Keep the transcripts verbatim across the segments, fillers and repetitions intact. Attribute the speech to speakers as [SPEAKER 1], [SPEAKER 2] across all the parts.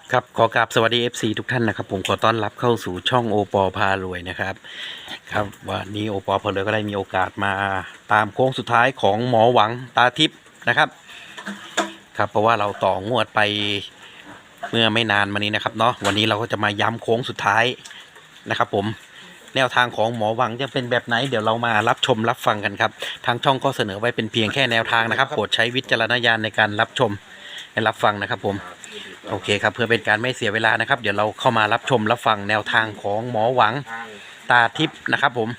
[SPEAKER 1] ครับขอกราบสวัสดี เอฟ ซี ทุกท่านนะครับผมขอต้อนรับเข้าสู่ช่องโอปอพารวยนะครับครับวันนี้โอปอพารวยก็ได้มีโอกาสมาตามโค้งสุดท้ายของหมอหวังตาทิพย์นะครับครับเพราะว่าเราต่องวดไปเมื่อไม่นานมานี้นะครับเนาะวันนี้เราก็จะมาย้ำโค้งสุดท้ายนะครับผมแนวทางของหมอหวังจะเป็นแบบไหนเดี๋ยวเรามารับชมรับฟังกันครับทางช่องก็เสนอไว้เป็นเพียงแค่แนวทางนะครับโปรดใช้วิจารณญาณในการรับชมและรับฟังนะครับผมโอเคครับเพื่อเป็นการไม่เสียเวลานะครับเดี๋ยวเราเข้ามารับชมรับฟังแนวทางของหมอหวังตาทิพย์นะครับผม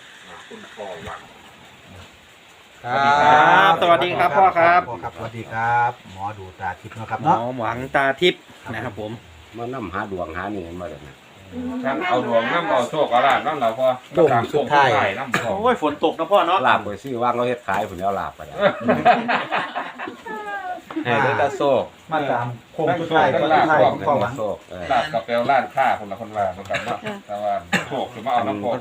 [SPEAKER 1] ครับสวัสดีครับพ่อครับ
[SPEAKER 2] พ่อครับสวัสดีครับหมอดูตาทิพย์นะครับ
[SPEAKER 1] หมอ
[SPEAKER 2] เนาะ
[SPEAKER 1] หวังตาทิพย์นะครับผม
[SPEAKER 3] มานำหาดวงหานี่มาเลยนะ
[SPEAKER 4] ฉันเอาดวงน้ำเอาโชคเอาลาบน้ำเราพอตามสุดท้ายน้ำพอ
[SPEAKER 1] โอ้ยฝนตกนะพ่อเนาะ
[SPEAKER 3] ลาบไปซื้อว่างเราเฮ็ดขายผลแล้วลาบไปแล้ว
[SPEAKER 4] ให้ได้ตาโชค
[SPEAKER 2] มาตามโค้งสุดท้ายก็ท้ายของพ่อหวัง
[SPEAKER 3] โชคเออ
[SPEAKER 4] ลาบกับเปลวล้านค่าคนละคนว่าคนกันเนาะแต่ว่าโชคคือมาเอาน้ำพอ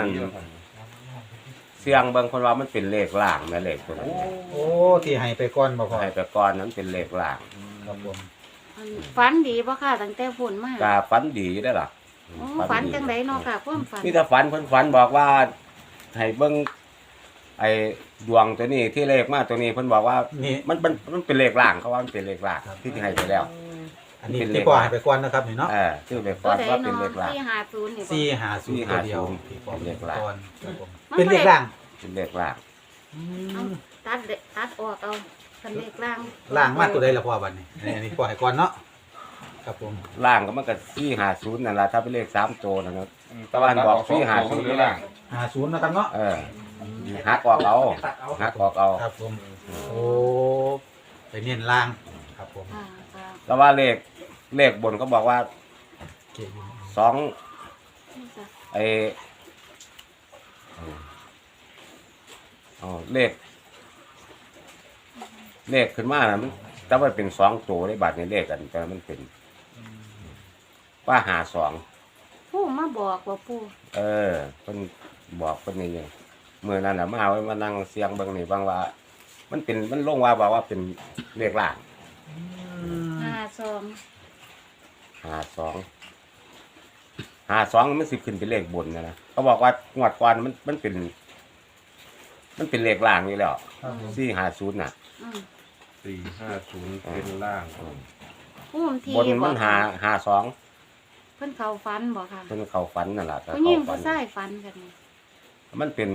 [SPEAKER 3] เสียงเบิ่งคนว่ามันเป็นเลขล่างนะเลขตัวนั้น
[SPEAKER 2] โอ้ที่ให้ไปก่อนบ่พ่อ
[SPEAKER 3] ให้ไปก่อนนั้นเป็นเลขล่าง
[SPEAKER 2] ครับผม
[SPEAKER 5] ฝันดีป่ะค่ะตั้งแต่ฝนมาก
[SPEAKER 3] กาฝันดีได้อล่ะ
[SPEAKER 5] โอ้ฝันจังไดเนาะค่ะความฝัน
[SPEAKER 3] มีแต่ฝันเพิ่นฝันบอกว่าให้เบิ่งไอ้ดวงตัวนี้ที่เลขมาตัวนี้เพิ่นบอกว่า
[SPEAKER 2] นี่
[SPEAKER 3] มันมันมันเป็นเลขล่างเขาว่ามันเป็นเลขล่างที่ที่ให้ไปแล้ว
[SPEAKER 2] อันนี้ที่พ่อให้ไปก่อนนะครับนี่เนาะ
[SPEAKER 3] เออชื่อเลข
[SPEAKER 5] ตัว
[SPEAKER 3] ก่อน
[SPEAKER 5] ใด
[SPEAKER 3] ว่าเป็น
[SPEAKER 5] เนาะ
[SPEAKER 3] เลขล่าง
[SPEAKER 5] ที่หาศูนย์นี่บ่
[SPEAKER 2] สี่ห้าศูนย์ตัวเดียว
[SPEAKER 3] สี่
[SPEAKER 2] ที่
[SPEAKER 3] ห้าศูนย์
[SPEAKER 2] พ่อให้ไปก่อนครับผม
[SPEAKER 5] มัน
[SPEAKER 2] เป็นเลขล่าง
[SPEAKER 3] เป็นเลขล่าง
[SPEAKER 2] อื
[SPEAKER 5] เอา
[SPEAKER 2] ม
[SPEAKER 5] ตัดเดตัดออกเอาคันเลขล่าง
[SPEAKER 2] ล่างมาตัวใดล่ะพ่อบัดนี้อันนี้พ่อให้ก่อนเนาะครับผม
[SPEAKER 3] ล่างก็มันก็สี่ห้าศูนย์นั่นแหละถ้าเป็นเลขสามตัวนะครับ
[SPEAKER 4] ตะวันบอกสี่หาศูนย์หรือล่าง
[SPEAKER 2] ห้าศูนย์นะครับเนาะ
[SPEAKER 3] เออหักออกเอาหักออกเอา
[SPEAKER 2] ครับผมโอ้ไปเน้นล่างครับผม
[SPEAKER 5] ค่ะค่ะ
[SPEAKER 3] แล้วว่าเลขเลขบนเขาบอกว่า
[SPEAKER 2] เก่งอยู่
[SPEAKER 3] สอง
[SPEAKER 5] นี่จ้ะ
[SPEAKER 3] ไออ๋อเลข เลขขึ้นมานะมันแต่ว่าเป็นสองตัวในบัตรในเลขกัน แต่มันเป็น ว่าหาสอง
[SPEAKER 5] ผู้มาบอกว่าผู้
[SPEAKER 3] เออเพิ่นบอกเพิ่นนี่ยังเมื่อนั้นน่ะมาเอาไว้มานั่งเสียงเบิ่งนี่บางว่า มันเป็นมันลงว่าบอกว่าเป็นเลขล่าง
[SPEAKER 5] ห้าสอง
[SPEAKER 3] ห้าสองห้าสองมันสิขึ้นเป็นเลขบนนะนะเขาบอกว่างวดก่อนมันมันเป็น มันเป็นเลขล่างนี่แล้ว
[SPEAKER 2] ครับผม
[SPEAKER 3] สี่ห้าศูนย์น่ะ
[SPEAKER 5] อืม
[SPEAKER 4] สี่ห้าศูนย์เป็นล่าง
[SPEAKER 5] ผู้ที
[SPEAKER 3] บนมันหาห้าสอง
[SPEAKER 5] เพิ่นเข้าฝันบ่ค่ะ
[SPEAKER 3] เพิ่นเข้าฝันนั่นแหละก็
[SPEAKER 5] ผู้หญิ
[SPEAKER 3] เข้าง ฝั
[SPEAKER 5] ผู้
[SPEAKER 3] น
[SPEAKER 5] ชายฝันกันนี่
[SPEAKER 3] มันเป็น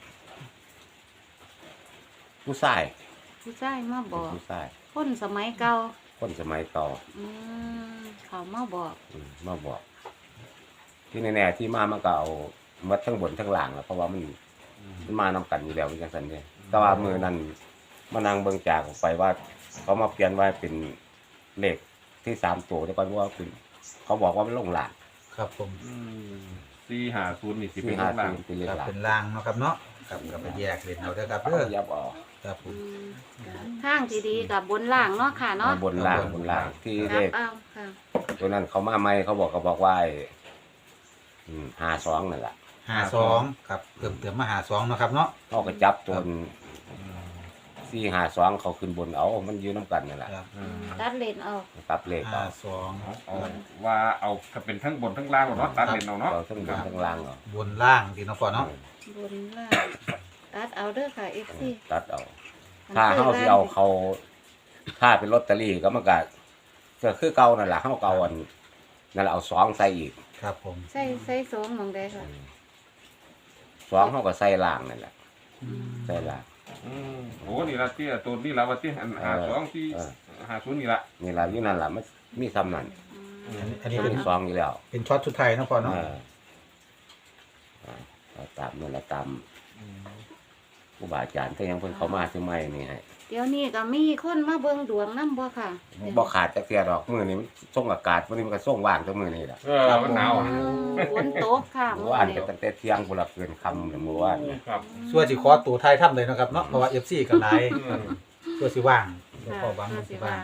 [SPEAKER 3] ผู้ชาย
[SPEAKER 5] ผู้ชายมาบอก
[SPEAKER 3] ผู้ชาย
[SPEAKER 5] คนสมัยเก่า
[SPEAKER 3] คนสมัยเก่า
[SPEAKER 5] อืมเขามาบอก
[SPEAKER 3] อืมมาบอก ที่แน่ๆที่มามันก็เอามัดทั้งบนทั้งล่างแล้วเพราะว่ามันมันมานำกันอยู่แล้วจังซั่นเด้แต่ว่ามือนั้นมานั่งเบิ่งจากออกไปว่า เขามาเปลี่ยนว่าเป็นเลขที่สามตัวแต่ก่อนว่าเป็นเขาบอกว่ามันลงล่าง
[SPEAKER 2] ครับผม
[SPEAKER 4] สี่หาศูนย์นี่สิ
[SPEAKER 3] ที่
[SPEAKER 4] เป็น
[SPEAKER 3] ห้า
[SPEAKER 4] ล่าง
[SPEAKER 3] ศูนย์เป็นเลข
[SPEAKER 2] ครับ
[SPEAKER 3] ล่าง
[SPEAKER 2] เป็นล่างเนาะครับเนาะครับก็ไปแยกเล่นเอาเด้อครับ
[SPEAKER 3] เขา
[SPEAKER 2] เด้อ
[SPEAKER 3] ยับออก
[SPEAKER 2] ครับผ
[SPEAKER 5] อื
[SPEAKER 2] ม
[SPEAKER 5] มทางที่ดีกับบนล่างเนาะค่ะเนาะ
[SPEAKER 3] บนล่างบนล่างที่
[SPEAKER 5] ค
[SPEAKER 3] เล
[SPEAKER 5] รับ
[SPEAKER 3] ข
[SPEAKER 5] เอาค่ะ
[SPEAKER 3] ตัวนั้นเขามาใหม่เขาบอกเขาบอกว่าไอ้อืมห้าสองนั่นแหละ
[SPEAKER 2] ห้าสองครับเติมเติมมาหาสองเนาะครับเนาะ
[SPEAKER 3] เขาก็จับตัวสี่ห้าสองเขาขึ้นบนเอามันยืนน้ำกันนั่นแหละ
[SPEAKER 2] ครับ
[SPEAKER 5] ตัดเลนเอา
[SPEAKER 3] ตับเลข
[SPEAKER 2] ห้า
[SPEAKER 3] เอา
[SPEAKER 2] สอง
[SPEAKER 4] เอาว่าเอาถ้าเป็นทั้งบนทั้งล่างเนาะตัดเลนเอาเนาะ
[SPEAKER 3] เราทั้งบนทั้งล่างเอา
[SPEAKER 2] บนล่างดีเนาะพ่อเนาะ
[SPEAKER 5] บนล่างตัดเอาเด้อค่ะเอฟซี
[SPEAKER 3] ตัดเอา ถ้าเขาที่เอาเขาถ้าเป็นลอตเตอรี่ก็มันก็ก็คือเก่านั่นแหละเขาเก่าอันนั่นแหละเอาสองใส่อีก
[SPEAKER 2] ครับผม
[SPEAKER 5] ใส่ใส่สองหมองใดค่ะ
[SPEAKER 3] สองเขาก็ใส่ล่างนั่นแหละใส่ล่าง
[SPEAKER 4] โอ้นี่ละที่ตัวนี่ละว่าที่หาสองที่หาศูนย์นี่ละ
[SPEAKER 3] นี่แหละอยู่นั่นแหละมันมีซ้ำนั่น
[SPEAKER 5] อืม
[SPEAKER 2] อันนี้อันนี้
[SPEAKER 3] เป็
[SPEAKER 2] เป็น
[SPEAKER 3] นสองอยู่แล้ว
[SPEAKER 2] เป็นช็อตชุดไทายเนาะพ่อ
[SPEAKER 3] เอ
[SPEAKER 2] เนาะ
[SPEAKER 3] อเอาตามนั่นแหละตามผู้บาอาจารย์ถ้ายังเพิ่นเขามาซื้อไม่นี่ให้
[SPEAKER 5] เดี๋ยวนี้ก็มีคนมาเบิ่งดวงนำบ่ค่ะ
[SPEAKER 3] บ่ขาดจักเสียดอกมือนี้มันส่งอากาศวันนี้มันก็ส่งว่างตัวมือนี่แหละ
[SPEAKER 4] เออมันหนาว
[SPEAKER 5] อืมฝนตกค่ะ
[SPEAKER 3] เมื่อวานก็ตั้งแต่เที่ยงพุ่นละเกินค่ำเลยเมื่อวานเนี่ย
[SPEAKER 4] ครับ
[SPEAKER 2] ส่วนสิขอตัวไทายถ้ำเลยเนาะครับเนาะเพราะว่า เอฟ ซี ก็หลายส่วนสิว่างเดี๋ยวพ่อหวังสิว่าง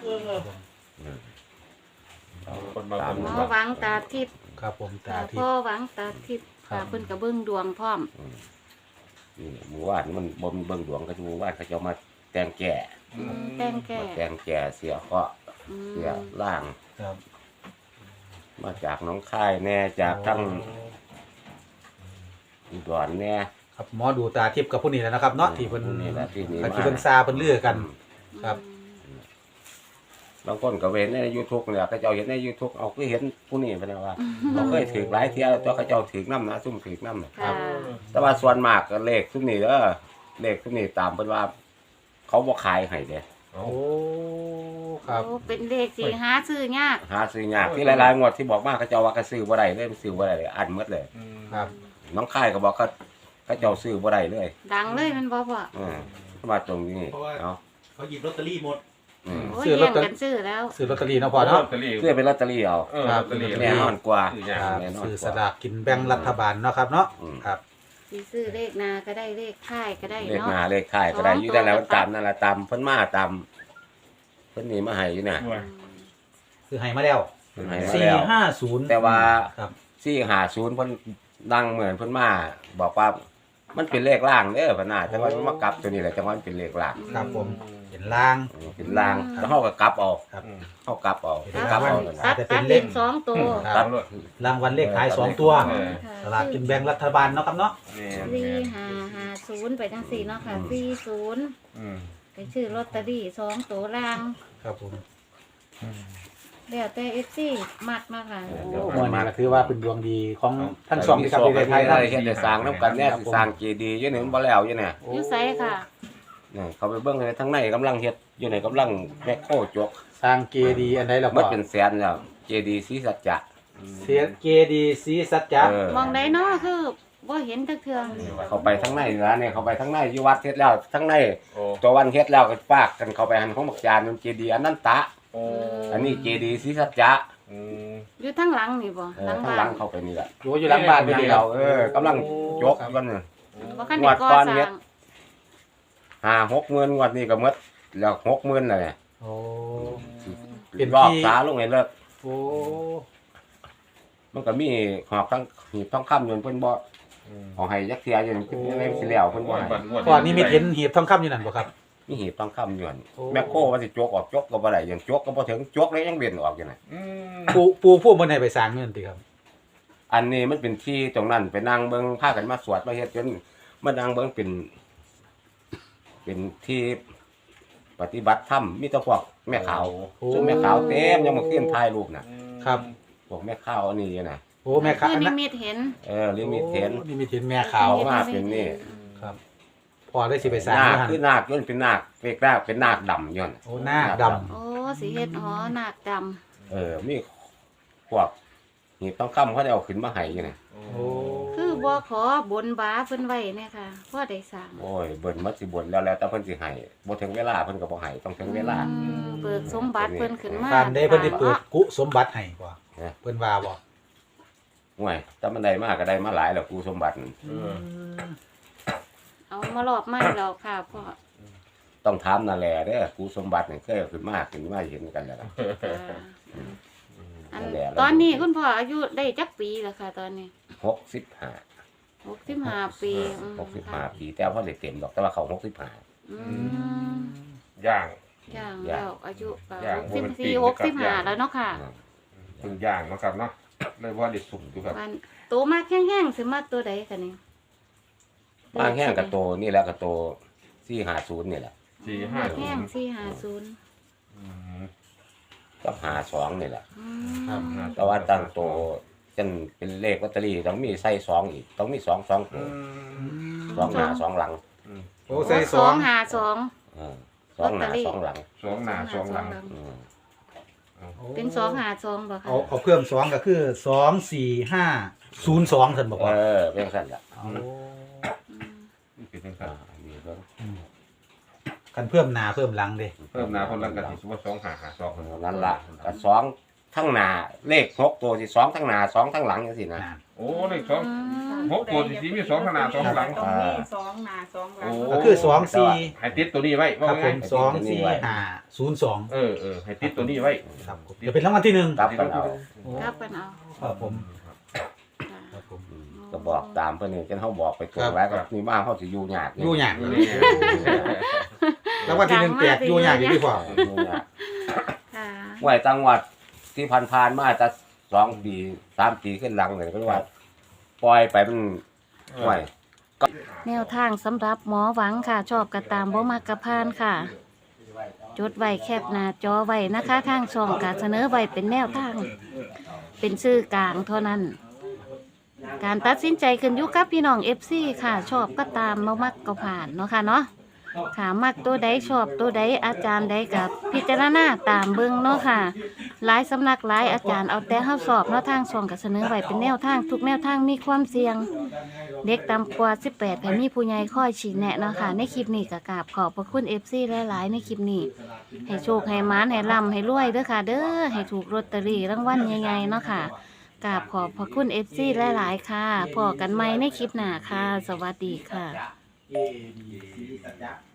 [SPEAKER 4] คนมา
[SPEAKER 3] ตาม
[SPEAKER 4] คน
[SPEAKER 5] หมอ
[SPEAKER 4] มา
[SPEAKER 5] หวังตาทิพย์
[SPEAKER 2] ครับผมตา
[SPEAKER 5] ค่ะ
[SPEAKER 2] ทิพ
[SPEAKER 5] พ่อ
[SPEAKER 2] ย์
[SPEAKER 5] หวังตาทิพย์
[SPEAKER 2] ครั
[SPEAKER 5] ค่ะ
[SPEAKER 2] บ
[SPEAKER 5] เพิ่นก็เบิ่งดวงพร้อม
[SPEAKER 3] นี่เมื่อวานมันบ่มีเบิ่งดวงก็จะเมื่อวานเขาจะเอามาแต่งแก่
[SPEAKER 5] แต่งแก่
[SPEAKER 3] มาแต่งแก่เสียเคราะห์
[SPEAKER 5] อืม
[SPEAKER 3] เสียล่าง
[SPEAKER 2] ครับ
[SPEAKER 3] มาจากหน้องค่ายแน่จากทั้งอุดรแน่
[SPEAKER 2] ครับหมอดูตาทิพย์กับผู้นี้แหละนะครับเนาะที่เพิ่น
[SPEAKER 3] ผู้นี่แหละที่นี่
[SPEAKER 2] ที่เพิ่นซาเพิ่นเลือกัน ครับ
[SPEAKER 3] บางคนก็เห็นใน YouTube เนี่ยเขาเจ้าเห็นใน YouTube เอาคือเห็นผู้นี้ไปแล้วว่าเขาเคยถือหลายเที่ยวตัวเขาเจ้าถือน้ำนะซุ่มถือน้ำนะ
[SPEAKER 5] ค่ะ
[SPEAKER 3] แต่ว่าส่วนมากก็เลขซุ่มนี้เด้อเลขซุ่มนี้ตามเพิ่นว่า เขาบ่ขายให้เด้
[SPEAKER 2] โอ้ครับ
[SPEAKER 5] โอ้เป็นเลขสี่หาซื้อยาก
[SPEAKER 3] หาซื้อยากที่หลายๆงวดที่บอกมาเขาเจ้าว่าเขาซื้อบ่ได้เลยซื้อบ่ได้เลยอันหมดเลย
[SPEAKER 2] ครับ
[SPEAKER 3] น้องค่ายก็บอกเขาเขาเจ้าซื้อบ่ได้เลย
[SPEAKER 5] ดังเลยแมันบ่พ่อ
[SPEAKER 3] อือมาตรงนี้เนาะ
[SPEAKER 1] เขาหยิบลอตเตอรี่หมด
[SPEAKER 3] อืม
[SPEAKER 5] โอ้ย
[SPEAKER 2] ซื้อลอ
[SPEAKER 5] แย่
[SPEAKER 2] ต
[SPEAKER 5] ง
[SPEAKER 2] เตอรี่
[SPEAKER 5] กันซื้อแล้ว
[SPEAKER 2] ซื้อลอตเตอรี่เนาะพ่อเนาะ
[SPEAKER 4] ลอตเตอรี่
[SPEAKER 3] ซื้อเป็นลอตเตอรี่เอา
[SPEAKER 4] เออลอตเตอรี่
[SPEAKER 3] แน่นอนกว่า
[SPEAKER 4] ซื้อยาก
[SPEAKER 2] ครับ
[SPEAKER 3] แน่นอน
[SPEAKER 2] ซื้อสลากกินแบ่งรัฐบาลเนาะครับเนาะ
[SPEAKER 3] อืม
[SPEAKER 2] ครับ
[SPEAKER 5] สิซื้อเลขนาก็ได้เลขค่ายก็ได้
[SPEAKER 3] เลข
[SPEAKER 5] เนาะ
[SPEAKER 3] หน้าเลขท้ายก็ได้
[SPEAKER 5] สอง
[SPEAKER 3] อยู่แต่แล้ว
[SPEAKER 5] ตัว
[SPEAKER 3] ตามนั่นล่ะตามเพิ่นมาตามเพิ่นนี่มาให้อยู่น่ะ
[SPEAKER 4] ด้วย
[SPEAKER 2] คือให้มาแล้ว
[SPEAKER 3] เพิ่นให้มา
[SPEAKER 2] สี่
[SPEAKER 3] แล้ว
[SPEAKER 2] ห้าศูนย์
[SPEAKER 3] แต่ว่า
[SPEAKER 2] ครับ
[SPEAKER 3] สี่ห้าศูนย์เพิ่นดังเหมือนเพิ่นมาบอกว่ามันเป็นเลขล่างเด้อพะน่าแต่ว่ามันมากลับตัวนี้แหละแต่ว่ามันเป็นเลขล่าง
[SPEAKER 2] ครับผมเป็นล่าง
[SPEAKER 3] อืมเป็นล่างแล้วเฮาก็กลับเอา
[SPEAKER 2] ครับ
[SPEAKER 3] เฮากลับเอา
[SPEAKER 2] เป็น
[SPEAKER 3] กลับเอา
[SPEAKER 2] รางวัล
[SPEAKER 3] นั่น
[SPEAKER 5] ตั
[SPEAKER 3] น่ะ
[SPEAKER 5] ด
[SPEAKER 2] จะเป็
[SPEAKER 5] ตั
[SPEAKER 2] น
[SPEAKER 5] ด
[SPEAKER 2] เล
[SPEAKER 5] เล
[SPEAKER 2] ข
[SPEAKER 5] ขสองตัว
[SPEAKER 2] ค
[SPEAKER 3] ครั
[SPEAKER 2] รับ
[SPEAKER 3] บ
[SPEAKER 2] รางวัลเลขท้ายสองตัว
[SPEAKER 4] เออ
[SPEAKER 2] สลากกินแบ่งรัฐบาลเนาะครับเนาะ
[SPEAKER 4] แม่น
[SPEAKER 5] สี่
[SPEAKER 4] แม่น
[SPEAKER 5] ห้าห้าศูนย์ไปทั้งสี่เนาะค่ะสี่ศูนย์
[SPEAKER 4] อืม
[SPEAKER 5] ไปชื่อลอตเตอรี่สองตัวล่าง
[SPEAKER 2] ครับผม
[SPEAKER 5] แล้วแต่เอฟซีมักมาค่ะ
[SPEAKER 3] เดี๋ยว
[SPEAKER 2] โอ้มันก็ถือว่าเป็นดวงดีของทั้งสองที่ครับ
[SPEAKER 3] มี
[SPEAKER 2] ใน
[SPEAKER 3] โช
[SPEAKER 2] ไทย
[SPEAKER 3] ค
[SPEAKER 2] นะ
[SPEAKER 3] ได้เฮ็ดได้สร้างนํกันเนี่ยสิสร้างเจดีย์อยู่นี่มันบ่แล้วอยู่เนี่ย
[SPEAKER 2] โอ้
[SPEAKER 5] อยู่ไสค่ะ
[SPEAKER 3] นี่เขาไปเบิ่งเลยทั้งในกำลังเฮ็ดอยู่ในกำลังแมคโครจก
[SPEAKER 2] สร้างเจดีย์อันใดล่ะ
[SPEAKER 3] มั
[SPEAKER 2] พ่
[SPEAKER 3] น
[SPEAKER 2] อ
[SPEAKER 3] เป็นแสนแล้วเจดีย์ศรีสัจจะ
[SPEAKER 2] เสียเจดีย์ศรีสัจจะ
[SPEAKER 3] เออ
[SPEAKER 5] มองได้เนาะคือบ่เห็นจักเทื่อ
[SPEAKER 3] เขาไปทั้งในนะเนี่ยเขาไปทั้งในอยู่วัดเฮ็ดแล้วทั้งใน
[SPEAKER 4] โอ้
[SPEAKER 3] ตัววันเฮ็ดแล้วก็ฝากกันเขาไปหันของบักจานมันเจดีย์อนันตะ
[SPEAKER 4] โอ้
[SPEAKER 3] อันนี้เจดีย์ศรีสัจจะ
[SPEAKER 4] อืม
[SPEAKER 5] อยู่ทั้งหลังนี่บ่
[SPEAKER 3] เอ
[SPEAKER 5] ห
[SPEAKER 3] อ
[SPEAKER 5] ลัง
[SPEAKER 3] ข้าง
[SPEAKER 5] บ้า
[SPEAKER 3] หลั
[SPEAKER 5] น
[SPEAKER 3] งเข้าไปนี่แหละ
[SPEAKER 2] อยู่อยู่หลังบ้าน
[SPEAKER 3] นี่
[SPEAKER 2] นี่
[SPEAKER 3] เราเออกำลังจกกันน่ะ
[SPEAKER 5] บ่คันได้ก่อ
[SPEAKER 3] งวดก่อน
[SPEAKER 5] ส
[SPEAKER 3] เฮ็
[SPEAKER 5] ร้า
[SPEAKER 3] ด
[SPEAKER 5] ง
[SPEAKER 3] ห้าหกหมื่นงวดนี้ก็หมดแล้วหกหมื่นแล้วเนี่ย
[SPEAKER 2] โอ้ เป็น
[SPEAKER 3] รอบ
[SPEAKER 2] ที่
[SPEAKER 3] สาลงให้เลิก
[SPEAKER 2] โอ้
[SPEAKER 3] มันก็มีหอกทั้งหีบทองคำอยู่เพิ่นบ่
[SPEAKER 4] อืม
[SPEAKER 3] เอาให้ยักเทียอยู่นี่เพิ่นยังไงสิแล้วเพิ่นบ่ให้
[SPEAKER 2] ก่อนนี้มีเห็นหีบทองคำอยู่นั่นบ่ครับ
[SPEAKER 3] มีหีบทองคำอยู่หั่น
[SPEAKER 2] โอ้
[SPEAKER 3] แมคโครว่าสิจกออกจกก็บ่ได้ยังจกก็บ่ถึงจกแล้วยังเวียนออกอยู่น่ะ
[SPEAKER 4] อืม
[SPEAKER 2] ปูปูผู้บนให้ไปสร้างเงินติครับ
[SPEAKER 3] อันนี้มันเป็นที่ตรงนั้นไปนั่งเบิ่งพากันมาสวดมาเฮ็ดจนมานั่งเบิ่งเป็น เป็นที่ปฏิบัติธรรมมีแต่พวกแม่ขาว
[SPEAKER 2] โอ้
[SPEAKER 3] ซึ่งแม่ขาวเต็มยังมาขึ้นถ่ายรูปน่ะ
[SPEAKER 2] ครับ
[SPEAKER 3] พวกแม่ขาวอันนี้น่ะ
[SPEAKER 2] โอ้แม่ค้า
[SPEAKER 5] คือ
[SPEAKER 2] อัน
[SPEAKER 5] นิ
[SPEAKER 2] นั้น
[SPEAKER 5] มิตเห็น
[SPEAKER 3] เออลิมิตเห็น
[SPEAKER 2] โอ้นี่มีเห็นแม่ขาว
[SPEAKER 3] ขมากเป็นนี่
[SPEAKER 2] ครับพอได้สิไปสร้าง
[SPEAKER 3] นาค
[SPEAKER 2] เงิน
[SPEAKER 3] คือนาคย้อนเป็นนาคเรียกนาคเป็นนาคดำย้อน
[SPEAKER 2] โอ้หน้าดำ
[SPEAKER 5] โอ้สิเฮ็ดหอนาคดำ
[SPEAKER 3] เออมีพวกหีบทองคำเขาได้เอาขึ้นมาให้อยู่น่ะ
[SPEAKER 2] โอ้
[SPEAKER 5] คือบ่ขอบนบาเพิ่นไว้เนี่ยค่ะพ่อได้สร้าง
[SPEAKER 3] โอ้ยเบิ่นมัดสิบ่นแล้วแล้วแต่เพิ่นสิให้บ่ถึงเวลาเพิ่นก็บ่ให้ต้องถึงเวลา
[SPEAKER 5] อืมเบิกสมบัติเพิ่นขึ้นมา
[SPEAKER 2] การได้เพิ่นได้เปิดกุสมบัติให้บ่
[SPEAKER 3] นะ
[SPEAKER 2] เพิ่นว่าบ่
[SPEAKER 3] ห่วยถ้ามันได้มากก็ได้มาหลายแล้วกูสมบัติ
[SPEAKER 2] อืม
[SPEAKER 5] เอามารอบใหม่แล้วค่ะพ่อ
[SPEAKER 3] ต้องถามนั่นแหละเด้อกูสมบัตินี่เคยเอาขึ้นมาขึ้นมาเห็นกันแล้วล่ะ
[SPEAKER 5] ค่ะอัน
[SPEAKER 3] นั่นแหละ
[SPEAKER 5] ตอนนี้คุณพ่ออายุได้จักปีแล้วค่ะ ตอนนี้
[SPEAKER 3] หกสิบห้า
[SPEAKER 5] หกสิบห้าปีอืม
[SPEAKER 3] หกสิบห้าปีแต่ว่าได้เต็มดอกแต่ว่าเขาหกสิบห้า
[SPEAKER 5] อืม
[SPEAKER 4] ย่าง
[SPEAKER 5] ย่าง
[SPEAKER 3] ย่าง
[SPEAKER 5] แล้วอายุก็
[SPEAKER 4] ย่าง
[SPEAKER 5] หกสิบ
[SPEAKER 4] บ่เป็นปี
[SPEAKER 5] สี่
[SPEAKER 4] นะ
[SPEAKER 5] หก
[SPEAKER 4] ครับ
[SPEAKER 5] สิบห้า
[SPEAKER 4] ย่าง
[SPEAKER 5] แล้วเนาะค่ะ
[SPEAKER 4] เพิ่งย่างเนาะครับเนาะเลยว่าได้สุกอยู่ครับ
[SPEAKER 5] มันโตมากแห้งๆสิมาตัวใดคะนี่
[SPEAKER 3] บางแห้งกับโตนี่แหละกับโตสี่ห้าศูนย์นี่แหละ
[SPEAKER 4] สี่ห้า
[SPEAKER 5] แห้งสี่ห้าศูนย์
[SPEAKER 4] อืม
[SPEAKER 3] กับหาสองนี่แหละ
[SPEAKER 5] อื
[SPEAKER 2] ครับ
[SPEAKER 5] ม
[SPEAKER 3] แต่ว่าตั้งโตจนเป็นเลขลอตเตอรี่ต้องมีใส่สองอีกต้องมีสองสอง
[SPEAKER 4] อื
[SPEAKER 3] ตัว
[SPEAKER 4] ม
[SPEAKER 3] สองหน้าสองหลัง
[SPEAKER 2] โอ้ใส่ส
[SPEAKER 5] ส
[SPEAKER 2] อ
[SPEAKER 5] อง งห้าสอง
[SPEAKER 3] เออสองหน้า
[SPEAKER 5] ลอตเตอรี่
[SPEAKER 3] สองหลัง
[SPEAKER 4] สองหน้าสองหลัง
[SPEAKER 3] อืม
[SPEAKER 5] เป็นสองห้าสองบ่ค่ะ
[SPEAKER 2] เอาเอาเพิ่มสองก็คือสองสี่ห้าศูนย์สองท่านบอก
[SPEAKER 3] เอ
[SPEAKER 2] ว่า
[SPEAKER 3] อเป็นสั้นละ
[SPEAKER 2] เอา
[SPEAKER 5] อืม
[SPEAKER 4] นี่เป็นค
[SPEAKER 3] อ่า
[SPEAKER 4] รับ
[SPEAKER 3] อันนี้เบิ่ง
[SPEAKER 2] กันเพิ่มหน้าเพิ่มหลังเด้
[SPEAKER 4] เพิ่มหนาคนละกันที่ว่าสองหาหาสอง
[SPEAKER 3] นั่นละกับสองทั้งหน้าเลขหกตัวสิสองทั้งหน้าสองทั้งหลังจังซี่นะ
[SPEAKER 2] อ่า
[SPEAKER 4] โอ้เลขสองหกตัวที่มีสองขนาดสองหลัง
[SPEAKER 6] ตรงนี้สองหน้าสองหลัง
[SPEAKER 2] ก็คือสองสี่
[SPEAKER 4] ให้ติดตัวนี้ไว้
[SPEAKER 2] ค
[SPEAKER 4] ว่า
[SPEAKER 2] รับผ
[SPEAKER 4] ไง
[SPEAKER 2] มสองสี่ห้าศูนย์สอง
[SPEAKER 4] เออเออให้ติดตัวนี้ไว้
[SPEAKER 2] ครับผมเดี๋ยวเป็นรางวัลที่หนึ่ง
[SPEAKER 3] กลับกันเอา
[SPEAKER 5] ครับกันเอา
[SPEAKER 2] ครับผม
[SPEAKER 5] ค่ะ
[SPEAKER 2] ครับผม
[SPEAKER 3] อืมก็บอกตามเพิ่นนี่จนเฮาบอกไปตรงแล้วก็มีบ้านเฮาสิอยู่ยาก
[SPEAKER 2] อยู่ยากรางวัลที่หนึ่งแตกอยู่ยากอยู่ดีกว่า
[SPEAKER 3] อยู่ยาก
[SPEAKER 5] ค่ะ
[SPEAKER 3] ไว้จังหวัดที่ผ่านๆมาแต่สองปีสามปีขึ้นหลังเลยก็ว่าปล่อยไปมันห่วย
[SPEAKER 5] แนวทางสำหรับหมอหวังค่ะ ชอบกระตามบ่มากกระพานค่ะ จดไว้แคบหน้าจอไว้นะคะทางช่องการเสนอไว้เป็นแนวทาง เป็นชื่อกลางเท่านั้น การตัดสินใจขึ้นอยู่กับพี่น้อง เอฟ ซี ค่ะ ชอบก็ตามบ่มักก็ผ่านเนาะค่ะเนาะค่ะมักตัวใดชอบตัวใดอาจารย์ใดกับพิจารณาตามเบิ่งเนาะค่ะหลายสำนักหลายอาจารย์เอาแต่เฮาสอบเนาะทางช่องก็เสนอไว้เป็นแนวทางทุกแนวทางมีความเสี่ยง เด็กต่ำกว่าสิบแปดให้มีผู้ใหญ่คอยชี้แนะเนาะค่ะในคลิปนี้ก็กราบขอบพระคุณ เอฟ ซี หลายๆในคลิปนี้ให้โชคให้หมานให้ร่ำให้รวยเด้อค่ะ เด้อให้ถูกลอตเตอรี่รางวัลใหญ่ๆเนาะค่ะกราบขอบพระคุณ เอฟ ซี หลายๆค่ะพอกันใหม่ในคลิปหน้าค่ะ สวัสดีค่ะ